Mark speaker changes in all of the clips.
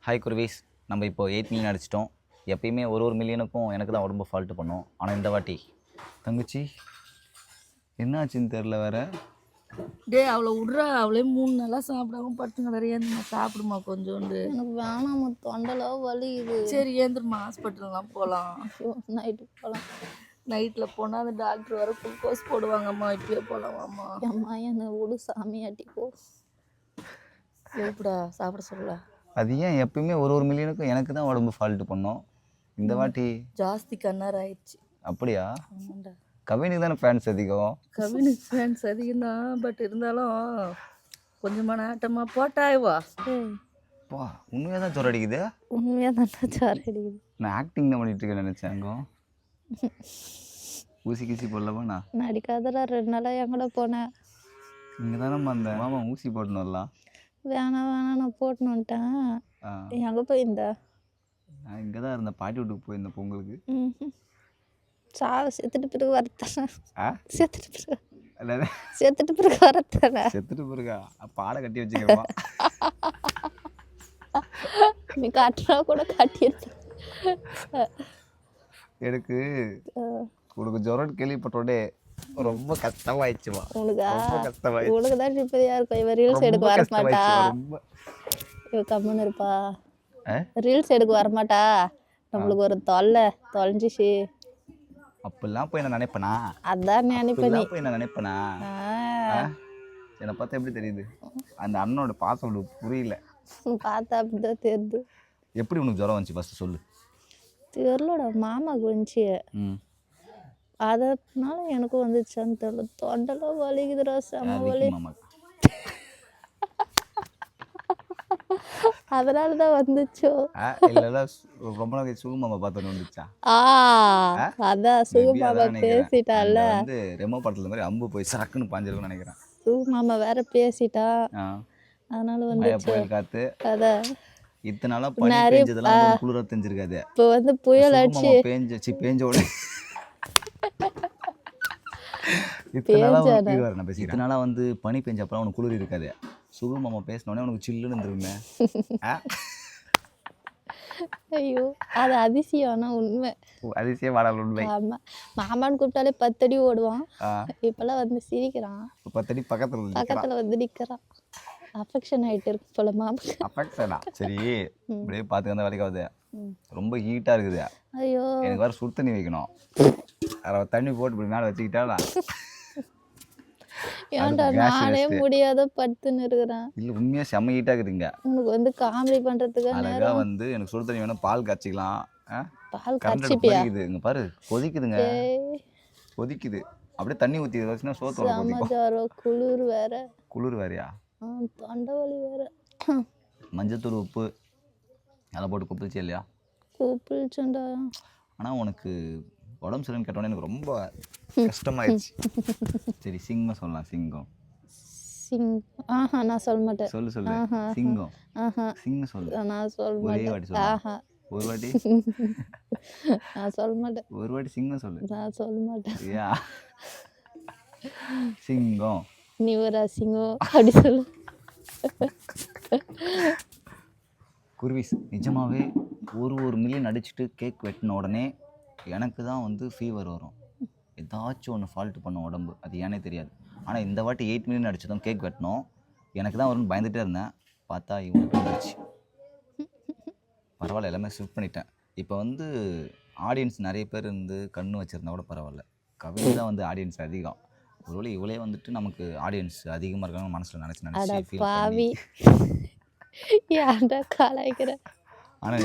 Speaker 1: Hi குருவீஸ், நம்ம இப்போ 8 million அடிச்சிட்டோம். எப்பயுமே ஒரு மில்லியனுக்கும் எனக்கு தான் உடம்பு ஃபால்ட்டு பண்ணோம். ஆனால் இந்த வாட்டி தங்கச்சி என்னாச்சுன்னு தெரில வேற.
Speaker 2: அவளை விட்றா, அவளே 3 நாளாக சாப்பிடாம படுத்துங்கிறாரு. ஏந்திரமா சாப்பிடுமா கொஞ்சோண்டு.
Speaker 3: எனக்கு வேணாம், தொண்டெல்லாம் வலிக்குது.
Speaker 2: சரி ஏந்திரமா, ஹாஸ்பிட்டல்லாம் போகலாம்.
Speaker 3: நைட்டு போகலாம்.
Speaker 2: நைட்டில் போனால் அந்த டாக்டர் வர குளுக்கோஸ் போடுவாங்கம்மா. இப்பயே போகலாமாம்மா?
Speaker 3: அம்மா என்னை விடு சாமியாட்டிக்கோ.
Speaker 2: எப்படா சாப்பிட சொல்லலாம்?
Speaker 1: அது ஏன் எப்பயுமே ஒரு மில்லியனுக்கும் எனக்கு தான் உடம்பு ஃபால்ட்டு பண்ணோம். இந்த வாட்டி
Speaker 2: ஜாஸ்தி கண்ணார் ஆயிடுச்சு.
Speaker 1: அப்படியா?
Speaker 2: ஆமாண்டா.
Speaker 1: கவினுக்கு தானே ஃபேன்ஸ் அதிகம்.
Speaker 2: கவினுக்கு ஃபேன்ஸ் அதிகம் தான். பட் இருந்தாலும் கொஞ்சமான ஆட்டமாக போட்டாய்வா.
Speaker 1: பா, உண்மையாக தான் ஜொரம் அடிக்குது.
Speaker 3: உண்மையாக தான் ஜோர் அடிக்குது.
Speaker 1: நான் ஆக்டிங் தான் பண்ணிட்டு இருக்கேன் நினச்சேங்க. ஊசி கீசி போடலப்பா. நான்
Speaker 3: அடிக்காதடா, 2 நாளாக எங்கட போனேன்.
Speaker 1: இங்கே தானே வந்தேன். மாமா ஊசி போட்டுன்னு வரலாம்.
Speaker 3: வேணாம் நான் போட்டுன்னு வந்துட்டேன். எங்கே போயிருந்தா?
Speaker 1: நான் இங்கே தான் இருந்தேன், பாட்டி வீட்டுக்கு போயிருந்தேன் பொங்கலுக்கு.
Speaker 3: செத்துட்டு பிறகு வரத்தானே.
Speaker 1: அதாவது
Speaker 3: செத்துட்டு பிறகு வரத்தானே.
Speaker 1: செத்துட்டு பிறகா பாடை கட்டி வச்சுக்கிறோம்.
Speaker 3: நீ காட்டுறா கூட காட்டியிருக்க.
Speaker 1: எனக்கு உனக்கு ஜொரம் கேள்விப்பட்டோடே ரொம்ப கஷ்டமாயிடுச்சுமா. ரொம்ப கஷ்டமாயிடுச்சு.
Speaker 3: உனக்கு தான் இப்போதையா இருக்கும். இவன் ரீல்ஸ் எடுக்க வரமாட்டா. இவ கம்முன்னு இருப்பா. ரீல்ஸ் எடுக்க வரமாட்டா. நம்மளுக்கு ஒரு தொலைஞ்சிச்சு.
Speaker 1: அப்படிலாம் போய் நான் நினைப்பேனா?
Speaker 3: அதான் நினைப்பேன்.
Speaker 1: போய் நான் நினைப்பேனா? என்னை பார்த்தா எப்படி தெரியுது? அந்த அண்ணனோட பாசம் உனக்கு புரியல.
Speaker 3: பார்த்தா அப்படிதான் தெரியுது.
Speaker 1: எப்படி உனக்கு ஜுரம் வந்துச்சு ஃபர்ஸ்ட் சொல்லு.
Speaker 3: தெரியலடா, மாமாவுக்கு வந்துச்சு. அதனால எனக்கும் வந்துச்சான்னு தெரியல. தொண்டெல்லாம் வலிக்குதுடா, செம வலி. அதனால தான் வந்துச்சோ.
Speaker 1: இல்ல ரொம்ப நாளைக்கு சுகுமாமா பார்த்தோன்னு வந்துச்சா?
Speaker 3: அதான் சுகுமாமா பேசிட்டால.
Speaker 1: வந்து ரெமோ படத்துல மாதிரி அம்பு போய் சரக்குன்னு பாஞ்சிருக்குன்னு நினைக்கிறேன்.
Speaker 3: சுகுமாமா வேற பேசிட்டா, அதனால வந்து
Speaker 1: புயல் காத்து.
Speaker 3: அதான்
Speaker 1: இத்தனை நாளா பனி பெஞ்சதெல்லாம் குளிர தெரிஞ்சிருக்காது.
Speaker 3: இப்போ வந்து புயல் அடிச்சு
Speaker 1: பேஞ்சோட இத்தனை நாளா வந்து பனி பெஞ்சப்பறம் உனக்கு குளிர் இருக்காது. சுகுமாமா பேசினோடனே உனக்கு சில்லுன்னு இருந்துருமே.
Speaker 3: ஐயோ, அது அதிசயம். ஆனா உண்மை.
Speaker 1: அதிசயம் வாடல் உண்மை.
Speaker 3: ஆமா, மாமான்னு கூப்பிட்டாலே 10 அடி ஓடுவான். இப்பெல்லாம் வந்து சிரிக்கிறான்.
Speaker 1: 10 அடி பக்கத்துல
Speaker 3: வந்து நிக்கிறான். அஃபெக்ஷன் ஆயிட்டு இருக்கு போல மாமா.
Speaker 1: அஃபெக்ஷனா? சரி, இப்படியே பார்த்துக்க அந்த வேலைக்கு ஆகுது. ரொம்ப ஹீட்டா இருக்குது.
Speaker 3: ஐயோ,
Speaker 1: எனக்கு வேற சுடு தண்ணி வைக்கணும். தண்ணி போட்டு இப்படி மேலே வச்சுக்கிட்டா
Speaker 3: ஏன்டா நானே முடியாத படுத்துன்னு இருக்கிறேன்.
Speaker 1: இல்ல உண்மையா செம்ம ஹீட்டா இருக்குதுங்க.
Speaker 3: உனக்கு வந்து காமெடி பண்றதுக்கு
Speaker 1: அழகா வந்து எனக்கு சுடு தண்ணி வேணும், பால் காய்ச்சிக்கலாம்.
Speaker 3: பால் காய்ச்சிப்பியா?
Speaker 1: இங்க பாரு கொதிக்குதுங்க, கொதிக்குது. அப்படியே தண்ணி ஊத்தி வச்சுனா சோத்தோட கொதிக்கும். குளிர் வேறயா?
Speaker 3: தொண்டை வலி வேற.
Speaker 1: மஞ்சத்தூள் உப்பு அதெல்லாம் போட்டு குப்பிச்சு இல்லையா?
Speaker 3: கூப்பிடுச்சுண்டா.
Speaker 1: ஆனா உனக்கு உடம்பு சரின்னு கேட்டோன்னே எனக்கு ரொம்ப கஷ்டமாயிடுச்சு. சரி சிங்கம் சொல்லலாம். சிங்கம்
Speaker 3: நான் சொல்ல மாட்டேன்.
Speaker 1: சொல்லு சிங்கம். சிங்கம் சொல்லு.
Speaker 3: நான் சொல்ல
Speaker 1: ஒரே
Speaker 3: மாட்டேன்.
Speaker 1: வாட்டி சொல்லு. ஒரு வாட்டி
Speaker 3: நான் சொல்ல மாட்டேன்.
Speaker 1: ஒரு வாட்டி சிங்கம் சொல்லு.
Speaker 3: நான் சொல்ல மாட்டேன்.
Speaker 1: யா சிங்கம்.
Speaker 3: நீ ஒரு சிங்கம் அப்படி சொல்லு.
Speaker 1: குருவிஸ், நிஜமாவே ஒரு மில்லியன் அடிச்சுட்டு கேக் வெட்டின உடனே எனக்கு தான் வந்து ஃபீவர் வரும். ஏதாச்சும் ஒன்று ஃபால்ட்டு பண்ண உடம்பு, அது ஏன்னே தெரியாது. ஆனால் இந்த வாட்டி 8 மில்லியன் அடிச்சதும் கேக் வெட்டினோம். எனக்கு தான் வரும்னு பயந்துகிட்டே இருந்தேன். பார்த்தா இவங்களுக்கு வந்துருச்சு. பரவாயில்ல, எல்லாமே ஷிஃப்ட் பண்ணிட்டேன். இப்போ வந்து ஆடியன்ஸ் நிறைய பேர் இருந்து கண்ணு வச்சுருந்தா கூட பரவாயில்ல. கவிதை தான் வந்து ஆடியன்ஸ் அதிகம். ஒருவேளை இவளே வந்துட்டு நமக்கு ஆடியன்ஸ் அதிகமாக இருக்காங்க மனசில் நினச்சி
Speaker 3: பாவி ஏன்டா காலாய்க்கிற?
Speaker 1: ஆனால்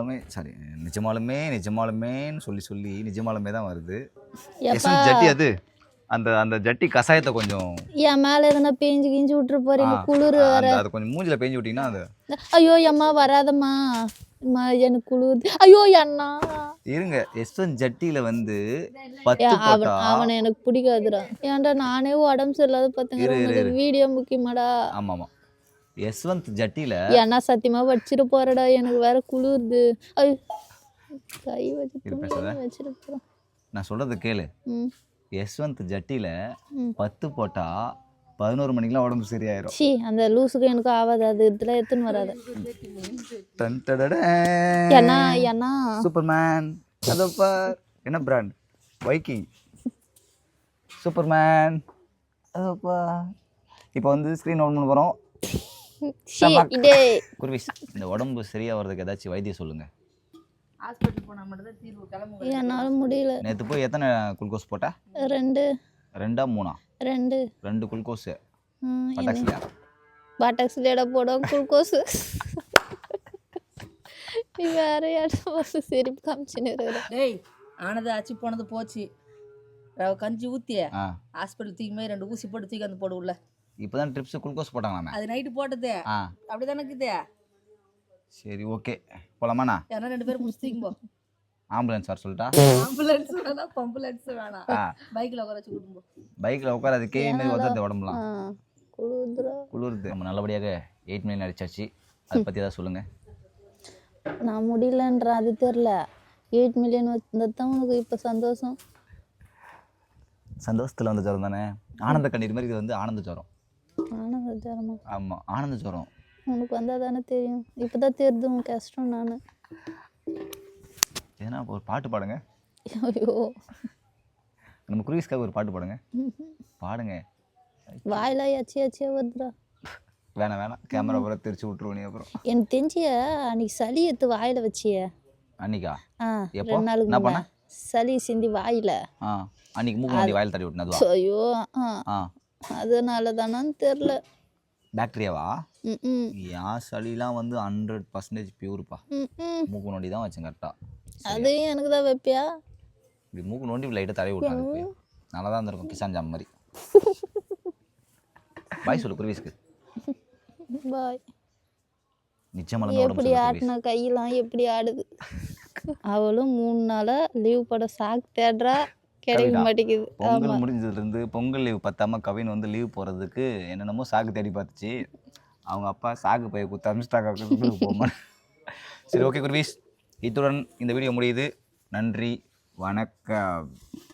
Speaker 1: நிஜமாலுமேன்னு சொல்லி நிஜமாலுமே தான் வருது. ஜட்டி அது அந்த ஜட்டி கசாயத்தை கொஞ்சம்
Speaker 3: என் மேலே எதனா பேஞ்சு கிஞ்சி விட்டுரு போறீங்க. குளிர் வேற.
Speaker 1: அது கொஞ்சம் மூஞ்சில பேஞ்சு விட்டீங்கன்னா அது.
Speaker 3: ஐயோ அம்மா வராதம்மா, எனக்கு குளிர். ஐயோ அண்ணா
Speaker 1: இருங்க. எஸ்வன் ஜட்டியில வந்து 10 போட்டா
Speaker 3: அவனை எனக்கு பிடிக்காதுடா. ஏன்டா நானே உடம்பு சரியில்லாத பார்த்துங்க. வீடியோ முக்கியமாடா.
Speaker 1: ஆமாம், யஸ்வந்த் ஜட்டியில
Speaker 3: ஏன்னா சத்தியமா வச்சிட்டு போறடா, எனக்கு வேற குளிருது. கை வச்சிட்டு போறேன்.
Speaker 1: நான் சொல்றது கேளு. யஸ்வந்த் ஜட்டியில 10 போட்டா 11 மணிக்கெலாம் உடம்பு சரியாயிரும்.
Speaker 3: சி அந்த லூஸுக்கு எனக்கு ஆகாது, அது இதில் எடுத்துன்னு வராது. ஏன்னா ஏன்னா
Speaker 1: சூப்பர்மேன் அதப்பா என்ன பிராண்ட்? Viking Superman அதப்பா. இப்போ வந்து ஸ்க்ரீன் ஓன் பண்ண போகிறோம்.
Speaker 3: இதே
Speaker 1: குருவிஸ், இந்த உடம்பு சரியாக வர்றதுக்கு ஏதாச்சும் வைத்தியம் சொல்லுங்கள்.
Speaker 2: ஹாஸ்பிட்டல் போனால் மட்டும்தான் தீர்வு கிளம்புங்க.
Speaker 3: என்னால் முடியல.
Speaker 1: நேற்று போய் எத்தனை குளுக்கோஸ் போட்ட?
Speaker 3: 2
Speaker 1: 2 3 2 குளுக்கோஸு பட்டாக்ஸியா?
Speaker 3: பாட்டாக்ஸ்லேட போடும் குளுக்கோஸு. நீ வேற யாரும் சிரிப்பு காமிச்சுன்னு இருக்கிற.
Speaker 2: டேய் ஆனது ஆச்சு போனது போச்சு. ரவை கஞ்சி ஊற்றிய
Speaker 1: ஆ
Speaker 2: ஹாஸ்பிட்டல் தூக்கி மாதிரி 2 ஊசி போட்டு தூக்கி வந்து போடு உள்ள.
Speaker 1: இப்போ தான் ட்ரிப்ஸு குளுக்கோஸ் போட்டாங்களாமே.
Speaker 2: அது நைட்டு போட்டதே
Speaker 1: ஆ
Speaker 2: அப்படி தானே இருக்குது.
Speaker 1: சரி ஓகே போகலாமாண்ணா?
Speaker 2: ஏன்னா 2 பேரும் முடிச்சுங்க போ.
Speaker 1: ஆம்புலன்ஸ் வர சொல்லிட்டா?
Speaker 2: ஆம்புலன்ஸ் வேணாம், பம்புலன்ஸ் வேணாம்.
Speaker 1: ஆ
Speaker 2: பைக்கில் உட்கார வச்சு கூட்டிட்டு போ.
Speaker 1: பைக்கில் உட்காராது கேவி மாதிரி உதறது உடம்புலாம்
Speaker 3: குளிர்துரா.
Speaker 1: குளிருது. நம்ம நல்லபடியாக 8 மில்லியன் அடிச்சாச்சு. அதை பற்றி ஏதாவது சொல்லுங்கள்.
Speaker 3: நான் முடியலன்ற அது தெரில. 8 மில்லியன் வந்தது தான் உனக்கு இப்போ சந்தோஷம்.
Speaker 1: சந்தோஷத்தில் வந்த ஜுரம் தானே. ஆனந்த கண்ணீர் மாதிரி இது வந்து ஆனந்த ஜுரம்.
Speaker 3: ஆனந்த ஜரமா?
Speaker 1: ஆமாம் ஆனந்த ஜுரம்.
Speaker 3: உனக்கு வந்தால் தானே தெரியும். இப்போ தான் தெரியுது உன் கஷ்டம். நான்
Speaker 1: ஏன்னா ஒரு பாட்டு பாடுங்க.
Speaker 3: ஐயோ
Speaker 1: நம்ம குருவிஸ்க்காக ஒரு பாட்டு பாடுங்க. பாடுங்க.
Speaker 3: வாயில எச்சியா வருதுடா.
Speaker 1: வேணாம் கேமரா பூரா தெரிச்சு விட்ருவோம் நீ. அப்புறம்
Speaker 3: எனக்கு தெரிஞ்சிய அன்னைக்கு சளி எடுத்து வாயில் வச்சிய.
Speaker 1: அன்னைக்கா?
Speaker 3: எப்போ? 2 நாளுக்கு
Speaker 1: என்ன பண்ண?
Speaker 3: சளி சிந்தி வாயில்.
Speaker 1: அன்னைக்கு மூக்கு நோண்டி வாயில் தடவி விட்டுனதுவா?
Speaker 3: ஐயோ அதனால தானான்னு தெரில.
Speaker 1: பாக்டீரியாவா? என் சளிலாம் வந்து 100% பியூர்ப்பா. மூக்கு நோண்டி தான் வச்சேன் கரெக்டாக.
Speaker 3: அது எனக்கு தான் வைப்பியா?
Speaker 1: இப்படி மூக்கு நோண்டி லைட்டாக தடவி விட்டாங்க. நல்லா தான் இருந்திருக்கும் கிசான் ஜாம் மாதிரி. பாய் சொல்லு குருவிஸ்க்கு.
Speaker 3: பாய்.
Speaker 1: நிச்சயமாக
Speaker 3: எப்படி ஆட்டின கையெல்லாம் எப்படி ஆடுது. அவளும் 3 நாளாக லீவ் போட சாக்கு தேடுறா, கிடைக்க மாட்டேங்குது.
Speaker 1: பொங்கல் முடிஞ்சதுலேருந்து பொங்கல் லீவ் பத்தாம கவின் வந்து லீவ் போகிறதுக்கு என்னென்னமோ சாக்கு தேடி பார்த்துச்சு. அவங்க அப்பா சாக்கு பைய கொடுத்து அமிச்சிட்டாக்க போமா. சரி ஓகே குருவிஸ், இத்துடன் இந்த வீடியோ முடியுது. நன்றி வணக்கம்.